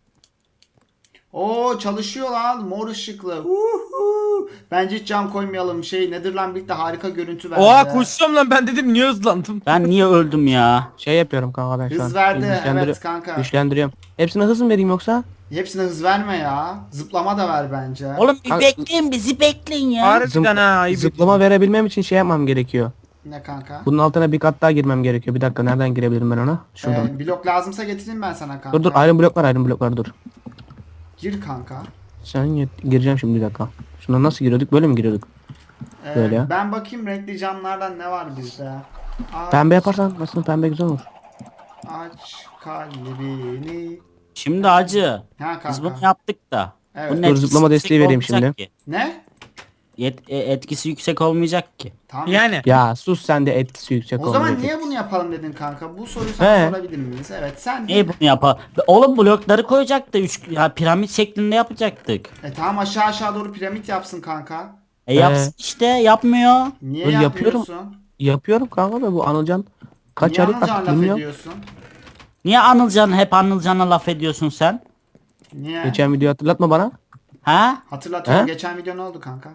Speaker 1: Oo çalışıyor lan mor ışıklı. Uhu. Bence hiç cam koymayalım. Nedir lan birlikte harika görüntü verdi.
Speaker 4: Oha koşuyorum lan ben dedim niye hızlandım.
Speaker 2: Ben niye öldüm ya?
Speaker 3: Şey yapıyorum kanka ben şu an.
Speaker 1: Hız verdi
Speaker 3: Güçlendiriyorum.
Speaker 1: evet kanka.
Speaker 3: Güçlendiriyorum. Hepsine hız mı vereyim yoksa?
Speaker 1: Hepsine hız verme ya. Zıplama da ver bence.
Speaker 2: Oğlum bir
Speaker 3: Kanka-
Speaker 2: bekleyin bizi bekleyin ya.
Speaker 4: Harbiden ha ayıp.
Speaker 3: Zıplama verebilmem için şey yapmam gerekiyor.
Speaker 1: Ne kanka?
Speaker 3: Bunun altına bir kat daha girmem gerekiyor. Bir dakika nereden girebilirim ben ona? Şuradan.
Speaker 1: Blok lazımsa getireyim ben sana kanka.
Speaker 3: Dur iron bloklar dur.
Speaker 1: Gir kanka.
Speaker 3: Gireceğim şimdi bir dakika. Şuna nasıl giriyorduk? Böyle mi giriyorduk? Böyle ya.
Speaker 1: Ben bakayım renkli camlardan ne var bizde.
Speaker 3: Pembe yaparsan nasıl pembe güzel olur.
Speaker 1: Aç kalbini.
Speaker 2: Şimdi acı.
Speaker 1: Ha
Speaker 2: Biz bunu
Speaker 1: kanka.
Speaker 2: yaptık da.
Speaker 1: Evet.
Speaker 2: Bunun
Speaker 3: Dur,
Speaker 2: etkisi
Speaker 3: zıplama
Speaker 2: yüksek
Speaker 3: desteği vereyim
Speaker 2: olmayacak
Speaker 3: şimdi.
Speaker 2: ki.
Speaker 1: Ne?
Speaker 2: Etkisi yüksek olmayacak ki.
Speaker 1: Tamam.
Speaker 4: Yani.
Speaker 3: Ya sus sen de etkisi yüksek
Speaker 1: O zaman
Speaker 3: olmayacak.
Speaker 1: niye bunu yapalım dedin kanka? Bu soruyu sana
Speaker 3: He.
Speaker 1: sorabilir miyiz? Evet sen.
Speaker 2: Niye bunu yapalım? Oğlum blokları koyacaktı. Ya piramit şeklinde yapacaktık.
Speaker 1: Tamam aşağı doğru piramit yapsın kanka.
Speaker 2: Yapsın işte yapmıyor.
Speaker 1: Niye
Speaker 3: Dur,
Speaker 1: yapmıyorsun?
Speaker 3: yapıyorum. Yapıyorum kanka da bu Anılcan kaç
Speaker 1: Niye
Speaker 3: aylık
Speaker 1: Anılcan
Speaker 3: bak
Speaker 1: laf
Speaker 3: bilmiyorum.
Speaker 1: ediyorsun?
Speaker 2: Niye hep Anılcan'a laf ediyorsun sen?
Speaker 1: Niye?
Speaker 3: Geçen videoyu hatırlatma bana.
Speaker 2: Ha?
Speaker 1: Hatırlatıyorum.
Speaker 3: He?
Speaker 1: Geçen video ne oldu kanka?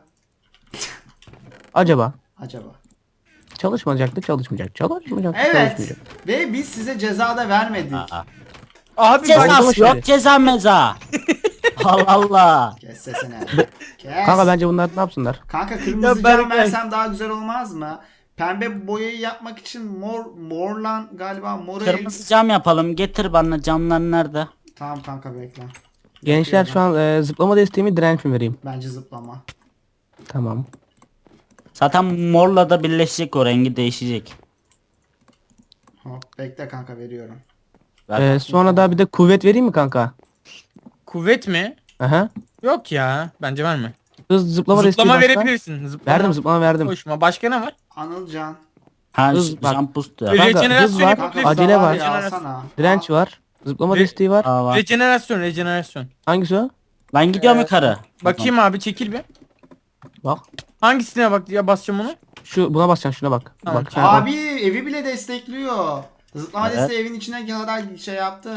Speaker 3: Acaba
Speaker 1: Acaba.
Speaker 3: çalışmayacaktı çalışmayacak. Çalışmayacak.
Speaker 1: Evet.
Speaker 3: Çalışmayacak.
Speaker 1: Ve biz size ceza da vermedik.
Speaker 2: Aa.
Speaker 4: Abi
Speaker 3: Ceza-
Speaker 4: bak.
Speaker 3: Oldu mu
Speaker 2: Ceza yok
Speaker 3: şimdi?
Speaker 2: ceza meza. Allah Allah.
Speaker 1: Kes sesini. Kes.
Speaker 3: Kanka bence bunlar ne yapsınlar?
Speaker 1: Kanka kırmızı
Speaker 4: Ya
Speaker 1: cam
Speaker 4: Berkay.
Speaker 1: versem daha güzel olmaz mı? Pembe boyayı yapmak için morlan galiba moru
Speaker 2: Kırmızı cam yapalım. Getir bana camlar nerede?
Speaker 1: Tamam kanka bekle.
Speaker 3: Gençler şu an zıplama desteğimi direnç mi vereyim?
Speaker 1: Bence zıplama.
Speaker 3: Tamam.
Speaker 2: Zaten morla da birleşecek o rengi değişecek.
Speaker 1: Hop bekle kanka veriyorum.
Speaker 3: Sonra da bir de kuvvet vereyim mi kanka?
Speaker 4: Kuvvet mi?
Speaker 3: Aha.
Speaker 4: Yok ya. Bence verme.
Speaker 3: Hız zıplama desteği
Speaker 4: Zıplama
Speaker 3: başka.
Speaker 4: verebilirsin. Zıplama.
Speaker 3: Verdim zıplama verdim.
Speaker 4: Hoşuma. Başka ne var?
Speaker 1: Anılcan.
Speaker 2: Ha
Speaker 3: Hız bak.
Speaker 2: jump boost ya.
Speaker 3: Kanka,
Speaker 4: Rejenerasyon
Speaker 3: hız var,
Speaker 4: yapabilirsin.
Speaker 3: acele var.
Speaker 1: Ya, alsana.
Speaker 3: Direnç var. Zıplama
Speaker 4: Re-
Speaker 3: desteği var.
Speaker 2: Aa, var.
Speaker 4: Rejenerasyon.
Speaker 3: Hangisi o?
Speaker 2: Ben gidiyorum
Speaker 1: Evet.
Speaker 2: yukarı.
Speaker 4: Bakayım abi çekil bir.
Speaker 3: Bak.
Speaker 4: Hangisine bak ya basacağım onu?
Speaker 3: Buna basacaksın şuna bak.
Speaker 4: Tamam.
Speaker 3: Bak. ha,
Speaker 1: Abi evi bile destekliyor. Zıplama
Speaker 2: Evet.
Speaker 1: desteği evin içine kadar şey yaptı.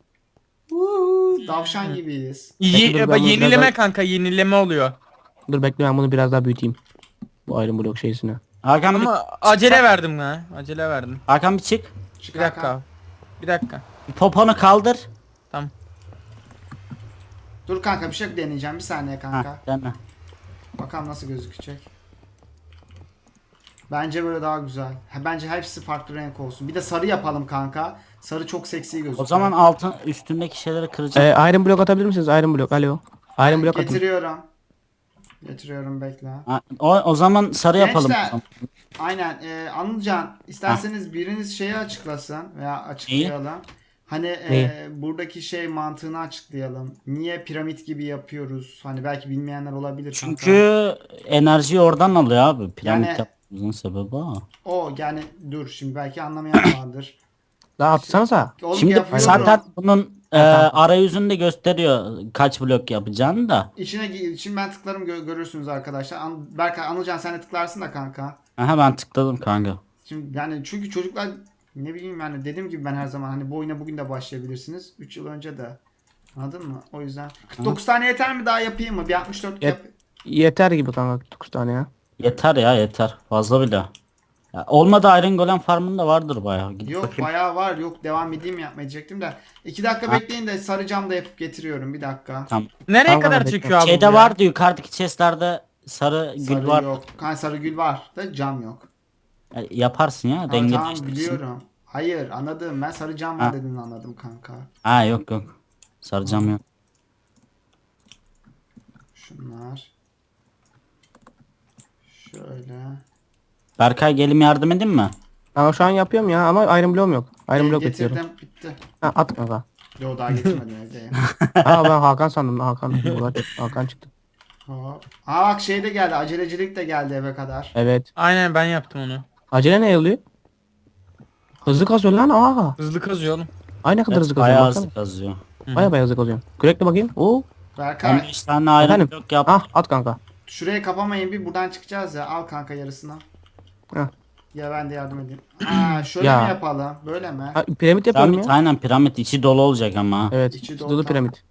Speaker 1: Davşan gibiyiz.
Speaker 3: Peki, dur, ben
Speaker 4: Bak
Speaker 3: bunu
Speaker 4: yenileme
Speaker 3: biraz daha-
Speaker 4: kanka yenileme oluyor.
Speaker 3: Dur bekle ben bunu biraz daha büyüteyim. Bu ayrım blok şeysine.
Speaker 2: Hakan bir,
Speaker 4: Ama acele verdim ha. Acele verdim.
Speaker 2: Hakan bir çık.
Speaker 1: Çık
Speaker 4: Bir dakika
Speaker 1: Hakan.
Speaker 4: abi. Bir dakika.
Speaker 2: Poponu kaldır.
Speaker 1: Dur kanka bir şey deneyeceğim. Bir saniye kanka.
Speaker 2: Ha, dene.
Speaker 1: Bakalım nasıl gözükecek. Bence böyle daha güzel. Bence hepsi farklı renk olsun. Bir de sarı yapalım kanka. Sarı çok seksi gözüküyor.
Speaker 2: O zaman altın üstündeki şeyleri kıracağım.
Speaker 3: Iron blok atabilir misiniz? Iron blok. Alo. Iron blok atın.
Speaker 1: getiriyorum. Getiriyorum bekle.
Speaker 2: Ha, o zaman sarı yapalım.
Speaker 1: Gençler. Aynen. Anılcan isterseniz biriniz şeyi açıklasın veya açıklayalım. Hani
Speaker 3: Neyi?
Speaker 1: buradaki şey mantığını açıklayalım. Niye piramit gibi yapıyoruz? Hani belki bilmeyenler olabilir.
Speaker 2: Çünkü enerjiyi oradan alıyor abi. Piramit
Speaker 1: Yani-
Speaker 2: yapmamızın sebebi o.
Speaker 1: o yani dur şimdi belki anlamayan vardır.
Speaker 3: Daha atsanıza.
Speaker 1: Oğlum
Speaker 2: Şimdi
Speaker 1: yapıyorum.
Speaker 2: zaten bunun
Speaker 3: tamam.
Speaker 2: arayüzünde gösteriyor kaç blok yapacağını da.
Speaker 1: Şimdi ben tıklarım görürsünüz arkadaşlar. Berkay Anılcan sen de tıklarsın da kanka.
Speaker 2: Aha ben tıkladım kanka.
Speaker 1: Şimdi yani çünkü çocuklar ne bileyim yani dediğim gibi ben her zaman hani bu oyuna bugün de başlayabilirsiniz. 3 yıl önce de. Anladın mı? O yüzden 49 tane yeter mi daha yapayım mı? Bir 64 yap.
Speaker 3: Yeter gibi kanka 9 tane ya.
Speaker 2: Yeter ya yeter. Fazla bile. Ya, olmadı Iron Golem farmında vardır bayağı. Gidip
Speaker 1: Yok
Speaker 2: bakayım.
Speaker 1: bayağı var. Yok devam edeyim mi yapmaya diyecektim de. 2 dakika bekleyin de sarı cam da yapıp getiriyorum. Bir dakika.
Speaker 4: Nereye
Speaker 3: Tamam,
Speaker 4: kadar
Speaker 3: bekle.
Speaker 4: çekiyor abi bu
Speaker 2: Şeyde
Speaker 4: ya?
Speaker 2: vardı yukarıdaki chestlerde sarı gül
Speaker 1: Sarı
Speaker 2: var.
Speaker 1: yok. Sarı gül var da cam yok.
Speaker 2: Yaparsın ya.
Speaker 1: Ha,
Speaker 2: Denge
Speaker 1: tamam
Speaker 2: değiştirsin.
Speaker 1: biliyorum. Hayır anladım. Ben sarı cam var
Speaker 2: Ha.
Speaker 1: dediğini anladım kanka.
Speaker 2: Ha yok yok. Sarı cam yok.
Speaker 1: Şunlar. Şöyle.
Speaker 2: Berkay gelim yardım edin mi?
Speaker 3: Ama şu an yapıyorum ya ama Iron bloğum yok. Iron blok
Speaker 1: Getirdim.
Speaker 3: bekliyorum.
Speaker 1: Bitti.
Speaker 3: Ha, at kanka.
Speaker 1: Yo daha getirmedim evdeyim.
Speaker 3: Ha ben Hakan sandım. Hakan çıktı.
Speaker 1: Hop. Aa bak şey de geldi. Acelecilik de geldi eve kadar.
Speaker 3: Evet.
Speaker 4: Aynen ben yaptım onu.
Speaker 3: Acele ne oluyor? Hızlı kazıyor lan. Aa.
Speaker 4: Hızlı kazıyor oğlum.
Speaker 3: Aynı kadar
Speaker 2: Evet,
Speaker 3: hızlı kazıyor.
Speaker 2: bayağı
Speaker 3: Baksana.
Speaker 2: hızlı kazıyor.
Speaker 3: Baya baya hızlı kazıyor. Kürekle bakayım. Oo.
Speaker 1: Berkay
Speaker 2: 15 tane Iron
Speaker 3: Efendim?
Speaker 2: blok yap.
Speaker 3: Ah at kanka.
Speaker 1: şurayı kapamayın bir buradan çıkacağız ya. Al kanka yarısını.
Speaker 3: Heh.
Speaker 1: Ya ben de yardım edeyim. Aa şöyle
Speaker 3: Ya.
Speaker 1: mi yapalım? Böyle mi?
Speaker 3: Ha, piramit yapıyorum
Speaker 2: Piramit
Speaker 3: ya.
Speaker 2: aynen piramit içi dolu olacak ama.
Speaker 3: Evet.
Speaker 1: İçi
Speaker 3: İçi
Speaker 1: dolu,
Speaker 3: dolu
Speaker 1: tamam.
Speaker 3: piramit.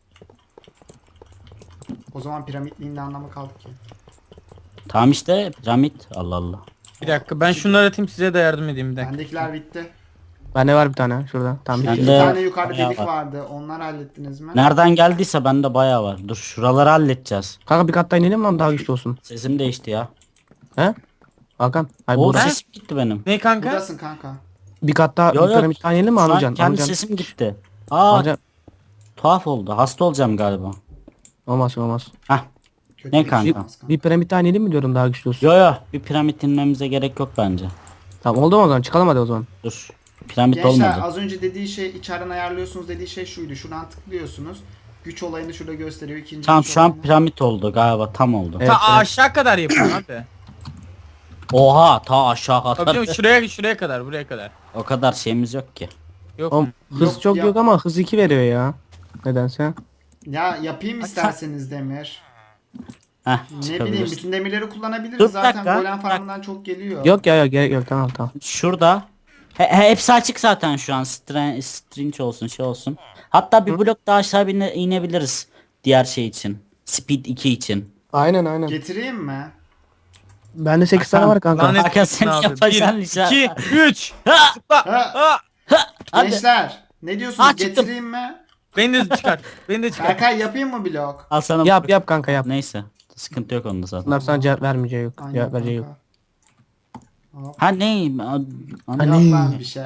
Speaker 1: O zaman piramitliğin ne anlamı kaldı ki?
Speaker 2: Tamam işte piramit. Allah Allah.
Speaker 4: Bir dakika ben şunları atayım size de yardım edeyim bir dakika.
Speaker 1: Bendekiler bitti.
Speaker 3: Bende var bir tane şurada. Tamam
Speaker 1: Şurada
Speaker 3: bitti.
Speaker 1: bir
Speaker 2: Bende
Speaker 1: tane yukarıda
Speaker 2: bayağı
Speaker 1: delik
Speaker 2: var.
Speaker 1: vardı. Onları hallettiniz mi?
Speaker 2: Nereden geldiyse bende bayağı var. Dur şuraları halledeceğiz.
Speaker 3: Kanka bir kat daha inelim lan daha güçlü olsun.
Speaker 2: Sesim değişti ya.
Speaker 3: He? Hakan. Hayır
Speaker 2: O
Speaker 3: burada.
Speaker 2: sesim gitti benim.
Speaker 4: Ne kanka?
Speaker 1: Buradasın kanka.
Speaker 3: Bir kat daha
Speaker 2: Yo,
Speaker 3: bir
Speaker 2: yo.
Speaker 3: piramit daha inelim mi
Speaker 2: Şu an
Speaker 3: Anılcan?
Speaker 2: kendi
Speaker 3: Anılcan.
Speaker 2: sesim gitti. Aa
Speaker 3: Anılcan.
Speaker 2: tuhaf oldu. Hasta olacağım galiba.
Speaker 3: Olmaz olmaz.
Speaker 2: Hah.
Speaker 1: Kötü
Speaker 2: Ne
Speaker 1: bir şey
Speaker 2: kanka?
Speaker 1: olmaz kanka.
Speaker 3: Bir piramit daha inelim mi diyorum daha güçlü olsun.
Speaker 2: Yo yo bir piramit inmemize gerek yok bence.
Speaker 3: Tamam oldu mu o zaman çıkalım hadi o zaman.
Speaker 2: Dur. Piramit
Speaker 1: Gençler
Speaker 2: olmadı.
Speaker 1: az önce dediği şey içeriden ayarlıyorsunuz dediği şey şuydu. Şuradan tıklıyorsunuz. Güç olayını şurada gösteriyor. İkinci
Speaker 2: Tamam
Speaker 1: güç
Speaker 2: şu an
Speaker 1: olayını.
Speaker 2: piramit oldu galiba tam oldu.
Speaker 3: Evet,
Speaker 4: Ta
Speaker 3: evet.
Speaker 4: aşağı kadar yapıyorum abi.
Speaker 2: Oha ta aşağı
Speaker 4: Tabii
Speaker 2: kadar.
Speaker 4: canım, şuraya kadar buraya kadar.
Speaker 2: O kadar şeyimiz yok ki.
Speaker 4: Yok
Speaker 3: Oğlum,
Speaker 4: mu?
Speaker 3: hız
Speaker 1: Yok
Speaker 3: çok
Speaker 1: ya.
Speaker 3: yok ama hız 2 veriyor ya. Nedense.
Speaker 1: Ya yapayım isterseniz demir.
Speaker 2: Heh
Speaker 1: Ne bileyim
Speaker 2: çıkabiliriz.
Speaker 1: bütün demirleri kullanabiliriz.
Speaker 2: Dur, bir
Speaker 1: Zaten
Speaker 2: dakika,
Speaker 1: golem
Speaker 2: bir
Speaker 1: farmından çok geliyor.
Speaker 3: Yok ya gerek yok tamam tamam.
Speaker 2: Şurada. Hepsi açık zaten şu an. Stringe olsun şey olsun. Hatta bir blok daha aşağı inebiliriz. Diğer şey için. Speed 2 için.
Speaker 3: Aynen aynen.
Speaker 1: Getireyim mi?
Speaker 3: Bende 8 tane var kanka.
Speaker 4: Lanet
Speaker 2: Hakan,
Speaker 4: olsun
Speaker 2: sen
Speaker 4: abi.
Speaker 2: yapacaksın
Speaker 4: 1,
Speaker 2: işte.
Speaker 4: 2, 3.
Speaker 1: Ha,
Speaker 2: Hadi.
Speaker 1: gençler ne diyorsunuz?
Speaker 2: Ha, çıktım.
Speaker 1: Getireyim mi?
Speaker 4: Beni de çıkar. Beni de çıkar.
Speaker 1: Berkay yapayım mı blok?
Speaker 2: Al sana
Speaker 3: Yap yap kanka yap.
Speaker 2: Neyse. Sıkıntı yok onda zaten.
Speaker 3: Bunlar sana cevap vermeyeceği yok.
Speaker 1: Aynen
Speaker 3: Cevap vereceği yok.
Speaker 1: kanka. Hop.
Speaker 2: Ha ne?
Speaker 3: Hani-
Speaker 1: Yok lan bir şey.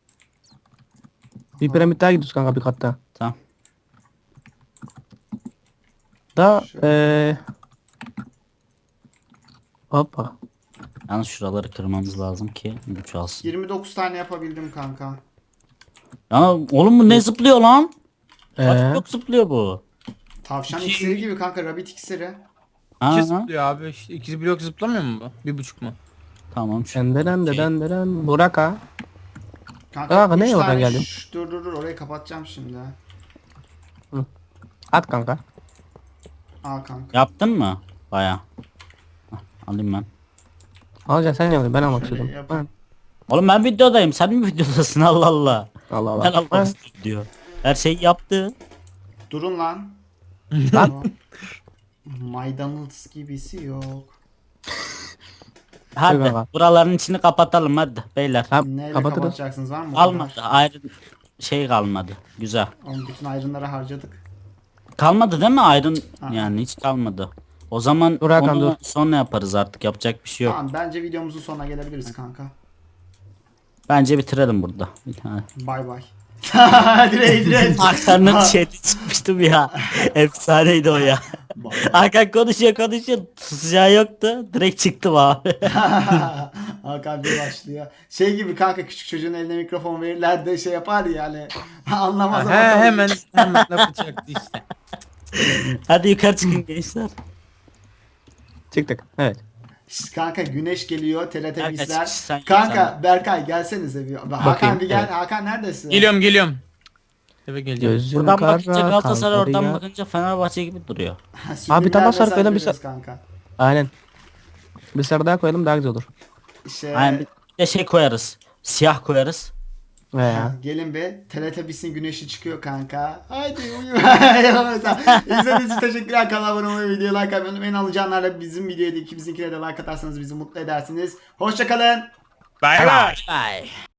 Speaker 3: Bir piramit daha gidiyoruz kanka bir katta.
Speaker 2: Tamam.
Speaker 3: Da
Speaker 1: Şöyle.
Speaker 3: Hoppa.
Speaker 2: Yalnız şuraları kırmamız lazım ki güç alsın.
Speaker 1: 29 tane yapabildim kanka.
Speaker 2: Ya oğlum bu ne zıplıyor lan? Kaç blok
Speaker 3: Ee,
Speaker 2: zıplıyor bu?
Speaker 1: Tavşan
Speaker 4: İki-
Speaker 1: iksiri gibi kanka, rabbit iksiri.
Speaker 2: Ha,
Speaker 4: İki zıplıyor abi. İşte 2 blok zıplamıyor mu bu? 1,5 mu?
Speaker 2: tamam şu.
Speaker 3: denden Burak ha.
Speaker 1: Kanka
Speaker 3: Aa, ne
Speaker 1: üç
Speaker 3: oradan
Speaker 1: tane
Speaker 3: geldin?
Speaker 1: dur orayı kapatacağım şimdi.
Speaker 3: At kanka.
Speaker 1: Al kanka.
Speaker 2: Yaptın mı? Baya. Alayım ben.
Speaker 3: Alacaksın sen yapıyorsun, ben almak
Speaker 1: Şöyle
Speaker 3: istedim.
Speaker 1: yap.
Speaker 3: Ha.
Speaker 2: Oğlum ben videodayım. Sen mi videodasın? Allah Allah.
Speaker 3: Allah
Speaker 2: Ben
Speaker 3: Allah.
Speaker 2: almak istiyorum diyor. Her şeyi yaptı.
Speaker 1: Durun lan.
Speaker 3: Lan.
Speaker 1: Maydanoz gibisi yok.
Speaker 2: Hadi
Speaker 3: kanka.
Speaker 2: buraların içini kapatalım hadi beyler.
Speaker 3: Tamam,
Speaker 1: Neyle
Speaker 3: kapatırız.
Speaker 1: kapatacaksınız, var mı?
Speaker 2: Kalmadı. Ayrı şey kalmadı. Güzel.
Speaker 1: Oğlum bütün ayrınları harcadık.
Speaker 2: Kalmadı değil mi ayrın?
Speaker 1: Aha.
Speaker 2: Yani hiç kalmadı. O zaman
Speaker 3: Dur Hakan,
Speaker 2: onu
Speaker 3: dur.
Speaker 2: sonra yaparız artık. Yapacak bir şey yok.
Speaker 1: Tamam, bence videomuzun sonuna gelebiliriz kanka.
Speaker 2: Bence bitirelim burada. Bir tane.
Speaker 1: Bay bay. Direkt.
Speaker 2: Hakan'ın chat'i çıkmıştım ya. Efsaneydi o ya. Hakan konuşuyor. Susacağı yoktu. Direkt çıktım abi.
Speaker 1: Hakan bir başlıyor. Şey gibi kanka, küçük çocuğun eline mikrofon verirler de şey yapar ya hani. Anlamaz ama.
Speaker 4: He hemen lafı çaktı işte.
Speaker 2: Hadi yukarı çıkın gençler.
Speaker 3: Çıktık. Evet.
Speaker 1: Şşt, kanka güneş geliyor, TRT
Speaker 2: sen yap
Speaker 1: Kanka
Speaker 2: sen.
Speaker 1: Berkay gelsenize bir. Hakan
Speaker 3: Bakayım,
Speaker 1: bir gel.
Speaker 3: evet.
Speaker 1: Hakan neredesin?
Speaker 4: Geliyorum. Eve geleceğim.
Speaker 3: Gözüm
Speaker 2: Buradan
Speaker 3: kara,
Speaker 2: bakınca Galatasaray,
Speaker 3: kalmadı
Speaker 2: oradan
Speaker 3: ya.
Speaker 2: bakınca Fenerbahçe gibi duruyor.
Speaker 1: Subliminal
Speaker 3: tamam,
Speaker 1: mesaj
Speaker 3: sarı koyalım, bir
Speaker 1: veriyoruz kanka.
Speaker 3: Aynen. Bir sarı daha koyalım, daha güzel olur.
Speaker 1: Şey,
Speaker 2: Yani bir de şey koyarız. Siyah koyarız.
Speaker 3: Veya.
Speaker 1: gelin be. Teletubbies'in güneşi çıkıyor kanka. Haydi uyu. İzlediğiniz için teşekkürler. Kanala abone olmayı, videoya like atmayı unutmayın. Alacağınlarla bizim videoya da ikimizinkine de like atarsanız bizi mutlu edersiniz. Hoşçakalın.
Speaker 4: Bay bay.
Speaker 2: Bye.